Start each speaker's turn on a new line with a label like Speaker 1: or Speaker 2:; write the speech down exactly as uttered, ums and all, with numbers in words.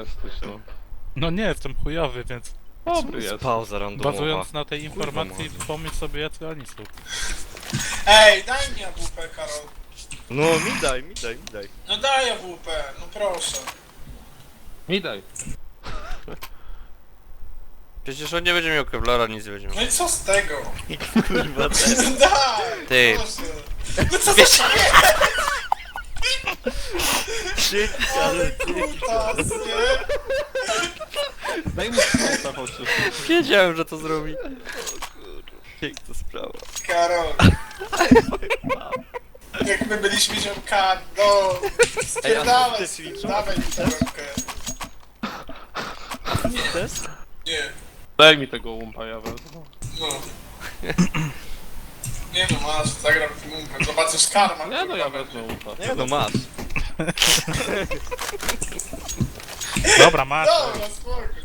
Speaker 1: jesteś, no.
Speaker 2: No nie, jestem chujowy, więc
Speaker 1: Dobry jest.
Speaker 3: Pauza randomowa.
Speaker 2: bazując na tej
Speaker 3: Kurwa,
Speaker 2: informacji
Speaker 3: może.
Speaker 2: pomyśl sobie jacy oni są.
Speaker 4: Ej, daj mi A W P, Karol.
Speaker 3: No mi daj, mi daj, mi daj.
Speaker 4: No daj A W P, no proszę.
Speaker 1: Mi daj.
Speaker 3: Przecież on nie będzie miał kevlara, nic nie będzie miał.
Speaker 4: No i co z tego?
Speaker 3: Kurwa,
Speaker 4: No daj,
Speaker 3: Ty.
Speaker 4: proszę. No co za ale kutas, nie?
Speaker 1: Daj mi skąta chociaż.
Speaker 3: Wiedziałem, że to zrobi. Piękna sprawa.
Speaker 4: Karol. Jak my byliśmy ziomkami, no. Spierdalaj,
Speaker 3: Ej, a ty ćwiczą?
Speaker 4: dawaj mi tę rękę.
Speaker 3: Test?
Speaker 4: Nie,
Speaker 1: Daj mi tego łumpa, ja wezmę.
Speaker 4: no. Nie no, masz, zagram w tym umpem, zobaczysz karma.
Speaker 1: Nie no, ja
Speaker 4: kurwa,
Speaker 1: wezmę łumpa.
Speaker 3: Nie no masz.
Speaker 2: Dobra, masz.
Speaker 4: Dobra, spokój.